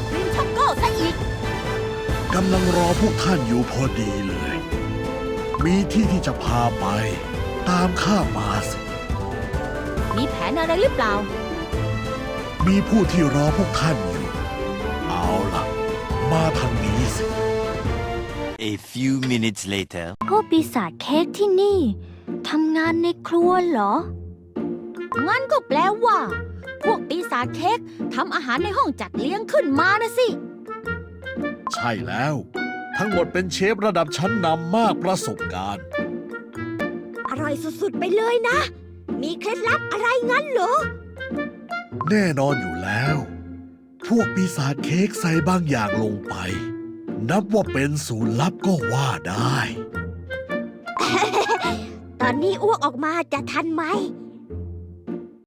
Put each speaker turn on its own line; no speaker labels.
จากริมชักโก้ซะอีก
กำลังรอพวกท่านอยู่พอดีเลย มีที่จะพาไป ตามข้ามาสิ
มีแผนอะไรหรือเปล่า
มีผู้ที่รอพวกท่านอยู่ เอาล่ะ มาทางนี้สิ
A few minutes later.
พวกปีศาจเค้กที่นี่ทำงานในครัวเหรอ
งั้นก็แปลว่า พวกปีศาจเค้กทำอาหารในห้องจัดเลี้ยงขึ้นมานะสิ
ใช่แล้ว ทั้งหมดเป็นเชฟระดับชั้นนำมากประสบการณ์
อร่อยสุดๆไปเลยนะ มีเคล็ดลับอะไรงั้นเหรอ
แน่นอนอยู่แล้ว พวกปีศาจเค้กใส่บางอย่างลงไป นับว่าเป็นสูตรลับก็ว่าได้
ตอนนี้อ้วกออกมาจะทันไหม